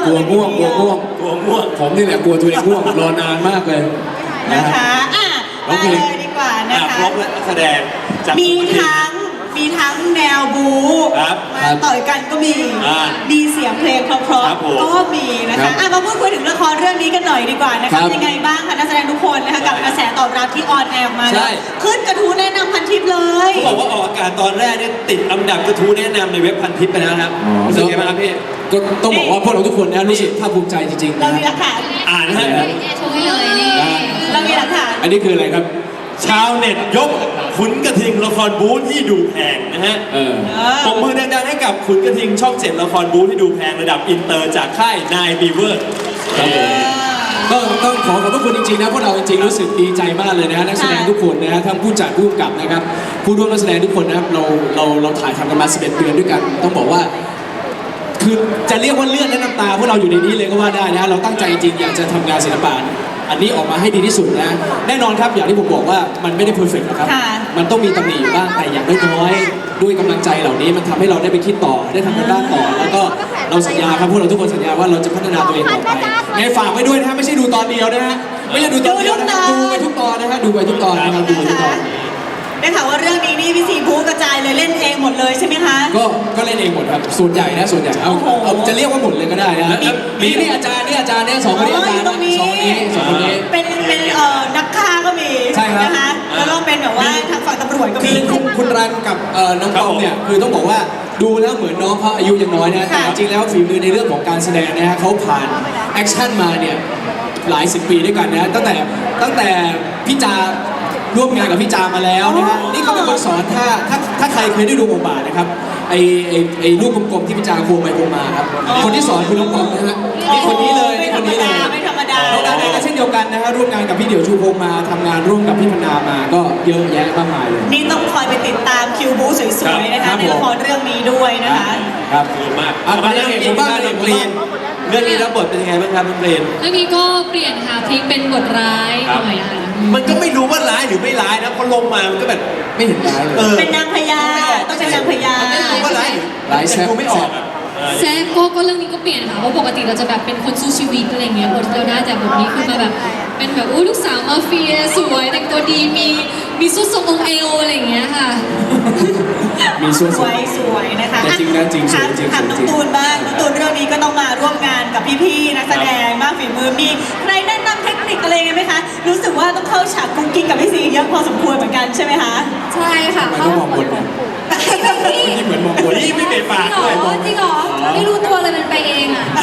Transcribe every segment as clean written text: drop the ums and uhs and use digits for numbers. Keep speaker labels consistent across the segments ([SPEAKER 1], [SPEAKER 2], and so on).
[SPEAKER 1] กลัวง่วงผมนี่แหละกลัวตัวเองง่วงรอนานมากเลย
[SPEAKER 2] นะคะมาเลยดีกว่านะคะ
[SPEAKER 3] ครบและนักแสดง
[SPEAKER 2] มีทั้งแนวบู๊มาต่อยกันก็มีเสียงเพลงเพราะๆก็มีนะคะมาพูดคุยถึงละครเรื่องนี้กันหน่อยดีกว่านะคะยังไงบ้างคะนักแสดงทุกคนนะคะกับกระแสตอบรับที่ออนแอร์มาขึ้นกระทู้แนะนำพันทิปเลย
[SPEAKER 3] เขาบอกว่าออกอากาศตอนแรกเนี่ยติดอันดับกระทู้แนะนำในเว็บพันทิปไปแล้วครับรู้สึกยังไงบ้างครับพี่
[SPEAKER 1] ก็ต้องบอกว่าพวกเราทุกคนนะรู้สึกภาคภูมิใจจริงๆ
[SPEAKER 2] เรามีหลักฐาน
[SPEAKER 3] อ่านนะฮะ
[SPEAKER 2] เรามีหลักฐาน
[SPEAKER 1] อันนี้คืออะไรครับ
[SPEAKER 3] ชาวเน็ตยกขุนกระทิงละครบู๊ที่ดูแพงนะฮะปรบมือดังๆให้กับขุนกระทิงช่อง7ละครบู๊ที่ดูแพงระดับอินเตอร์จากค่ายนายบีเวอร์
[SPEAKER 1] ก็ต้องขอบพระคุณจริงๆนะพวกเราจริงๆรู้สึกดีใจมากเลยนะฮะนักแสดงทุกคนนะฮะทั้งผู้จัดผู้กำกับนะครับผู้ร่วมนักแสดงทุกคนนะครับเราถ่ายทำกันมา11 เดือนด้วยกันต้องบอกว่าคือจะเรียกว่าเลือดและน้ำตาพวกเราอยู่ในนี้เลยก็ว่าได้นะเราตั้งใจจริงอยากจะทำงานศิลปะอันนี้ออกมาให้ดีที่สุดนะแน่นอนครับอย่างที่ผมบอกว่ามันไม่ได้เพอร์เฟกต์นะครับมันต้องมีตำหนิอยู่บ้างแต่อย่างน้อยๆด้วยกำลังใจเหล่านี้มันทำให้เราได้ไปคิดต่อได้ทำกันบ้านต่อแล้วก็เราสัญญาครับพวกเราทุกคนสัญญาว่าเราจะพัฒนาตัวเองต่อไปไงฝากไว้ด้วยนะฮะไม่ใช่ดูตอนเดียวนะฮะไม่ใช่ดูตอนเดียวนะดูไปทุกตอนนะฮะดูไปทุกตอนนะครับดูไปทุกตอน
[SPEAKER 2] ได้ข่าวว่าเรื่องนี้นี่พี่ซีบู๊กระจายเลยเล่นเองหมดเลยใช่ไหมคะ
[SPEAKER 1] ก็เล่นเองหมดครับส่วนใหญ่นะส่วนใหญ่เอาจะเรียกว่าหมดเลยก็ได้นะนี่อาจารย์เนี่ยสองคนนี้อาจารย์สองคนนี้
[SPEAKER 2] เป็นนักฆ่าก็มีนะคะแล้วก็เป็นแบบว่าทางฝั่งตำรวจก็มี
[SPEAKER 1] คุณรันกับน้องปอมเนี่ยคือต้องบอกว่าดูแล้วเหมือนน้องเขาอายุยังน้อยนะแต่จริงแล้วฝีมือในเรื่องของการแสดงนะฮะเขาผ่านแอคชั่นมาเนี่ยหลาย10 ปีด้วยกันนะตั้งแต่พี่จาร่วมงานกับพี่จามาแล้วนะฮะนี่เขาเป็นคนสอนถ้าใครเคยได้ดูบทบาทนะครับไอ้ลูกกลมๆที่พี่จาโค้งไปโค้งมาครับคนที่สอนคือน้องปอมนะฮะนี่คนนี้เลย
[SPEAKER 2] ไม่ธรรมดา
[SPEAKER 1] น้องดาเองก็เช่นเดียวกันนะฮะร่วมงานกับพี่เดี่ยวชูพงมาทำงานร่วมกับพี่พนามาก็เยอะแยะมากมายเลย
[SPEAKER 2] นี่ต้องคอยไปติดตามคิวบู๊สวยๆนะคะในละครเรื่องนี้ด้วยนะคะ
[SPEAKER 1] ครับ
[SPEAKER 3] ดีมากมาเรื่องนี้บ้างน้องกรีนเรื่องนี้รับบทเป็นยังไงบ้างครับน้องกรีน
[SPEAKER 4] เรื่องนี้ก็เปลี่ยนค่ะพลิกเป็นบทร้ายหน่อยค่ะ
[SPEAKER 3] มันก็ไม่รู้ว่าร้ายหรือไม่ร้ายนะพอลงมามันก็แบบ
[SPEAKER 1] ไม่เห็นร้ายเลย
[SPEAKER 2] เป็นนางพญาต้องเป็นนางพญา
[SPEAKER 3] ไม่รู้ว่าร้าย
[SPEAKER 1] แซ่บ
[SPEAKER 3] ไม่ออก
[SPEAKER 4] แซ่บก็เรื่องนี้ก็เปลี่ยนค่ะเพราะปกติเราจะแบบเป็นคนสู้ชีวิตอะไรเงี้ยบทที่เราได้แต่บทนี้คือมาแบบเป็นแบบลูกสาวมาเฟียสวยแต่งตัวดีมีสุดทรงองค์เอวอะไรเงี้ยค่ะ
[SPEAKER 1] มีส่วน
[SPEAKER 2] สวยนะคะ
[SPEAKER 1] จริงนะจริง
[SPEAKER 2] ถามน้องตูนบ้างน้องตูนเรื่องนี้ก็ต้องมาร่วมงานกับพี่ๆนักแสดงมากฝีมือมีใครแนะนำเทคนิคอะไรไหมคะรู้สึกว่าต้องเข้าฉากกุ๊กกิ๊กกับพี่ซีเยอะพอสมควรเหมือนกันใช่ไหมคะ
[SPEAKER 4] ใช่ค่ะ
[SPEAKER 1] เขามองบนนี่เหมือนมองบน
[SPEAKER 3] นี่ไม่เป็นปาก
[SPEAKER 4] เลยจริงเหรอไม่รู้ตัวเลยมันไปเองอ่ะ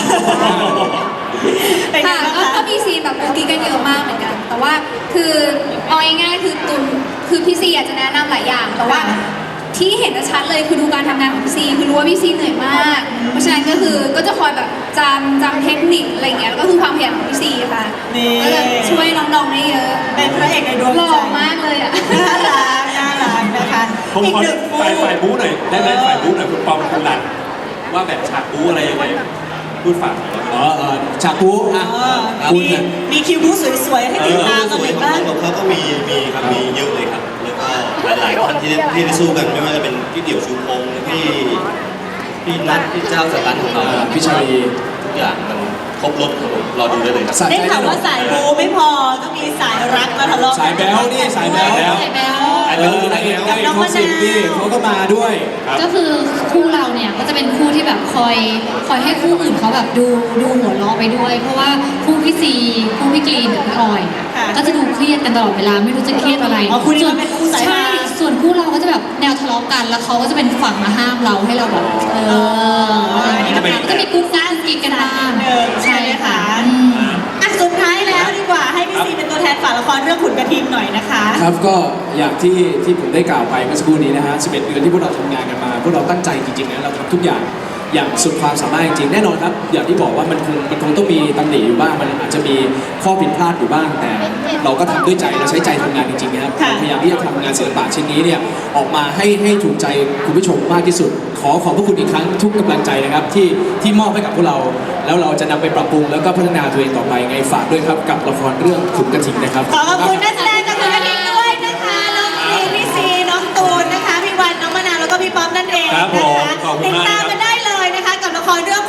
[SPEAKER 4] ค่ะก็มีซีนแบบกุ๊กกิ๊กกันเยอะมากเหมือนกันแต่ว่าคือเอาง่ายๆคือตุนคือพี่ซีอยากจะแนะนำหลายอย่างแต่ว่าที่เห็นชัดเลยคือดูการทำงานของพี่ซีคือรู้ว่าพี่ซีเหนื่อยมากเพราะฉะนั้นก็คือก็จะคอยแบบจำเทคนิคอะไรเงี้ยแล้วก็คือความขยันของพี่ซีค่ะก็จะช่วยน้องๆได้เยอะ
[SPEAKER 2] เป็นพระเอกในดวงใจ
[SPEAKER 4] หล่อมากเลยอ่ะ
[SPEAKER 2] น่ารักนะคะ
[SPEAKER 3] อีกหนึ่งฝ่ายบู๊หน่อยได้ไหมฝ่ายบู๊หน่อยคุณปอมคุณหลันว่าแบบฉากบู๊อะไรยังไงพูดฝาก
[SPEAKER 1] ฉากบู๊
[SPEAKER 2] มีคิวบู๊สวยๆให้ติดตามกันอีกบ้าง
[SPEAKER 5] ของเขาก็มีครับมีเยอะเลยครับแล้วก็หลายๆท่านที่ได้สู้กันไม่ว่าจะเป็นพี่เดี่ยวชูพงพี่นัทพี่เจ้าสตันของเรา
[SPEAKER 1] พี่ชาลี
[SPEAKER 5] ทุกอย่างมันครบรถรอดูได้เลยครับ
[SPEAKER 2] ได้ข่าวว่าสายบูไม่พอก็มีสายรักมาทะเลาะ
[SPEAKER 1] สายแบ๊วนี่สายแบ๊วนางเอกเขาสิงพี่เขาก็มาด้วย
[SPEAKER 4] ก็คือคู่เราเนี่ยก็จะเป็นคู่ที่แบบคอยให้คู่อื่นเขาแบบดูหัวเราะไปด้วยเพราะว่าคู่พี่ซีคู่พี่กรีนกับพี่ออยก็จะดูเครียดกันตลอดเวลาไม่รู้จะเครียดอะไรใช่ส่วนคู่เราก็จะแบบแนวทะเลาะกันแล้วเขาก็จะเป็นฝั่งมาห้ามเราให้เราแบบก็จะมีกุ๊กกิ๊กกินกันบ้าง
[SPEAKER 2] ใช่ค่ะสุดท้ายแล้วดีกว่าให้พี่ซีเป็นตัวแทนฝากละครเรื่องขุนกระทิงหน่อยนะคะ
[SPEAKER 1] ครับก็อย่างที่ผมได้กล่าวไปเมื่อสักครู่นี้นะฮะ11 เดือนที่พวกเราทำงานกันมาพวกเราตั้งใจจริงๆนะเราทำทุกอย่างสุดความสามารถจริงๆแน่นอนครับอย่างที่บอกว่ามันคงต้องมีตำหนิอยู่บ้างมันอาจจะมีข้อผิดพลาดอยู่บ้างแต่เราก็ทำด้วยใจเราใช้ใจทำงานจริงๆนะครับพยายามที่จะทำงานศิลปะชิ้นนี้เนี่ยออกมาให้ถูกใจคุณผู้ชมมากที่สุดขอบพระคุณอีกครั้งทุกกำลังใจนะครับที่มอบให้กับพวกเราแล้วเราจะนำไปปรับปรุงแล้วก็พัฒนาตัวเองต่อไปไงฝากด้วยครับกับละครเรื่องขุนกระทิงนะครับ
[SPEAKER 2] ขอบคุณนักแสดงจากขุนกระทิงด้วยนะคะน้องกรีนพี่ซีน้องตูนนะคะพี่วันน้องมะนาวแล้วก็พี่ป๊อปนั่นเองนะคะติดตามกันได้เลยนะคะกับละครเรื่องขุนกระทิง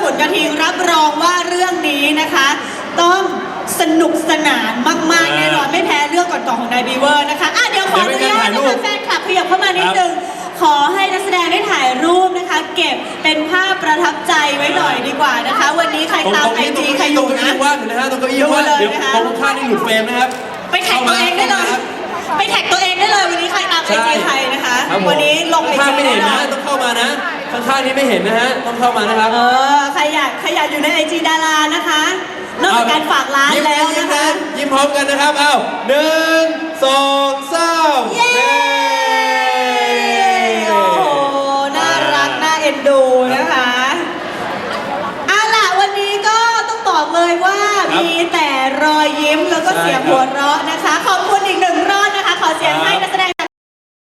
[SPEAKER 2] ริงๆรับรองว่าเรื่องนี้นะคะ ต้องสนุกสนานมากๆแน่นอนไม่แพ้เรื่องก่อนๆของนายบีเวอร์นะคะเดี๋ยวขออนุญาตนะคะแฟนคลับขยับเข้ามานิดนึงขอให้นักแสดงได้ถ่ายรูปนะคะ เก็บเป็นภาพประทับใจไว้หน่อยดีกว่านะคะ วันนี้ใครตามไอจีใครอยู่นะ
[SPEAKER 3] ว่างอยู่นะฮะตรงเก้าอี้ว่างเดี๋ยวตรงข้างนี่หลุดเฟรมนะครับ
[SPEAKER 2] ไปแท็กตัวเองได้เลยไปแท็กตัวเองได้เลยวันนี้ใครตามไอจีใครนะคะ วันนี้ลงไอ
[SPEAKER 3] ข้าง
[SPEAKER 2] จี
[SPEAKER 3] ไม่เห็นนะต้องเข้ามานะข้างๆนี้ไม่เห็นนะฮะต้องเข้ามานะครับ
[SPEAKER 2] ใครอยากอยู่ในไอจีดารานะคะนอกจากการฝากร้านแล้วนะคะ
[SPEAKER 3] ยิ้มพร้อมกันนะครับอ้าว1 2 3
[SPEAKER 2] เย้โอ้โหน่ารักน่าเอ็นดูนะคะล่ะวันนี้ก็ต้องบอกเลยว่ามีแต่รอยยิ้มแล้วก็เสียงหัวเราะนะคะขอบคุณ